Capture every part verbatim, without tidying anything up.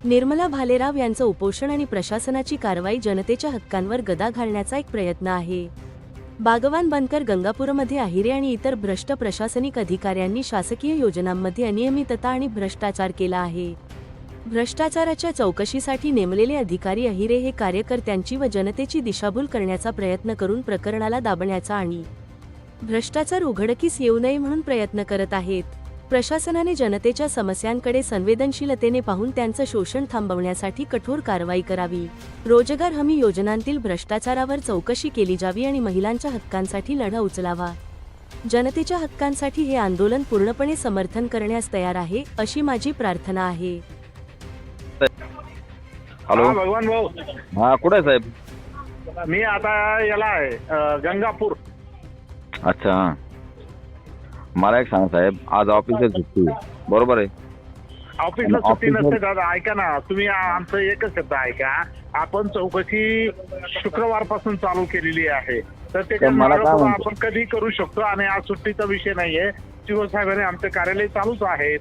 निर्मला भालेराव यांचं उपोषण आणि प्रशासनाची कारवाई जनतेच्या हक्कांवर गदा घालण्याचा एक प्रयत्न आहे. बागवान बनकर गंगापूरमध्ये अहिरे आणि इतर भ्रष्ट प्रशासनिक अधिकाऱ्यांनी शासकीय योजनांमध्ये अनियमितता आणि भ्रष्टाचार केला आहे. भ्रष्टाचाराच्या चौकशीसाठी नेमलेले अधिकारी अहिरे हे कार्यकर्त्यांची व जनतेची दिशाभूल करण्याचा प्रयत्न करून प्रकरणाला दाबण्याचा आणि भ्रष्टाचार उघडकीस येऊ नये म्हणून प्रयत्न करत आहेत. प्रशासनाने जनतेच्या समस्यांकडे संवेदनशीलतेने पाहून त्यांचं शोषण थांबवण्यासाठी कठोर कारवाई करावी. रोजगार हमी योजनांतील भ्रष्टाचारावर चौकशी केली जावी आणि महिलांच्या हक्कांसाठी लढा उचलावा. जनतेच्या हक्कांसाठी हे आंदोलन पूर्णपणे समर्थन करण्यास तयार आहे, अशी माझी प्रार्थना आहे. हॅलो हा, भगवान भाऊ, हा कुठे आहे साहेब? मी आता याला आहे अ, गंगापूर. अच्छा, मला एक सांगा साहेब, आज ऑफिसला सुट्टी आहे, बरोबर आहे? ऑफिसला आणि सुट्टी ऑफिसवर- नसते दादा. ऐका ना, तुम्ही आ- आमचं एकच शब्द ऐका. आपण चौकशी शुक्रवारपासून चालू केलेली आहे, तर त्याच्या तर मला काय मागं म्हणतो? आपण कधी करू शकतो. आणि आज सुट्टीचा विषय नाहीये. शिवसाहेबांनी आमचे कार्यालय चालूच आहेत.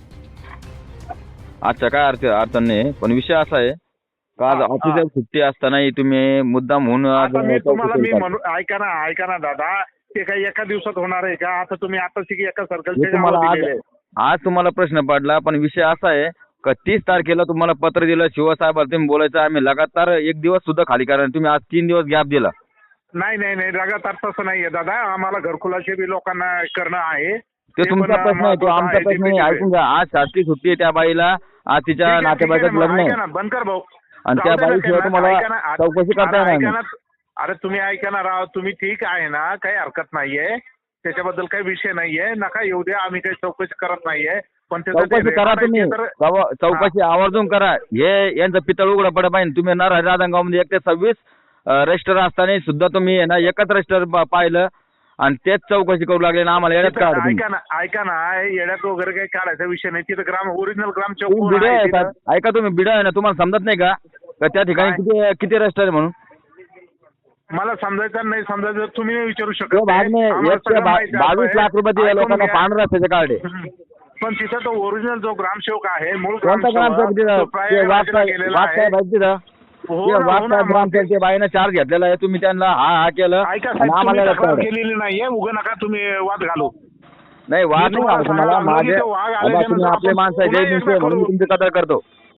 अच्छा, काय अर्थ अडचण नाही, पण विषय असा आहे का आज हा, ऑफिसला हा. सुट्टी असतानाही तुम्ही मुद्दाम म्हणून आज आता मी तुम्हाला चौकशी मी करता. म्हणू ऐका ना ऐका ना दादा, ते काही एका दिवसात होणार आहे का? आता तुम्ही आता शिकी एका मी सर्कलचे तुम्हाला नाव आज दिलेले आहे. आज तुम्हाला प्रश्न पडला, पण विषय असा आहे का तीस तारखेला तुम्हाला पत्र दिलं शिवसाहेबांना, तुम्ही बोलायचं आम्ही लगातार एक दिवस सुद्धा खाली करा, तुम्ही आज तीन दिवस गॅप दिला. नाही नाही नाही लगातार तसं नाहीये दादा. आम्हाला घरकुलाचे बी लोकांना करणं आहे. ते ते तुमचा पण प्रश्न आहे, तो महत्त्वाचं आमचा आहे. प्रश्न नाही. ठीक आहे. ऐकून घ्या, आज शासकीय सुट्टी आहे त्या बाईला, आज ठीक तिच्या आहे, ठीक आहे नातेवाईकात ना, लग्न ऐका आहे ना, बनकर भाऊ. आणि जाऊ त्या दे ना बाईशिवाय त्यांना, तुम्हाला ऐका ना, आ- चौकशी करता अरे येणार ऐका नाही. ना, अरे तुम्ही ऐका ना राव, तुम्ही ठीक आहे ना, काही हरकत नाहीये, त्याच्याबद्दल काही विषय नाहीये. नका येऊ द्या, आम्ही काही चौकशी करत नाहीये. पण त्याचं ते चौकशी करा रेकॉर्ड तुम्ही, आहे ते तर- चौ- चौकशी आवर्जून करा. हे यांचं पितळ उघडं पडत पाहिजे. तुम्ही ना राधानगावमध्ये एक ते सव्वीस रजिस्टर असताना सुद्धा तुम्ही आहे ना एकच रजिस्टर पाहिलं आणि तेच चौकशी करू लागले ना, आम्हाला येण्यात तिथं काय ऐका ना ऐका ना येड्यात वगैरे काही काढायचा विषय नाही. तिथं ग्राम ओरिजिनल ग्राम चौक तुम्ही बिडं आहे का? ऐका, तुम्ही बिडं आहे ना, तुम्हाला समजत नाही का का त्या ठिकाणी काय? किती किती रजिस्टर आहे म्हणून? मला समजायचं नाही समजायचं तुम्ही नाही विचारू शकत. तो भागने आम्हाला एक ते सगळं बा- माहिती आहे. बावीस लाख रुपये दिले ऐकून लोकांना घ्या. पांढऱ्या रस्त्याचे कार्ड आहे. हम्म. पण तिथं तो ओरिजिनल जो ग्रामसेवक आहे, मूळ कोणता ग्रामसेवक तिथं? तो ते प्रायव्हेट वाघसाहेब गेलेला वाघसाहेब आहे. आहेत तिथं. हो ते ना, हो ना, वाघसाहेब मग ग्रामसेवक ते- ते बाईनं चार्ज घेतलेला आहे, तुम्ही त्यांना हा हा केलं ऐका आणि साहेब, तुम्ही आम्हाला तक्रार रस्ता केलेली नाहीये. उगा नका तुम्ही वाद घालू. नाही वाद मी नाही तुम्हाला घालत तुम्हाला. सांगितलं की माझे तो वाघ आता आल्याच्या तुम्ही नंतर आपले आपण माणसं आहे, पुन्हा जय एकदा म्हणून मी करू. तुमची कदर करतो.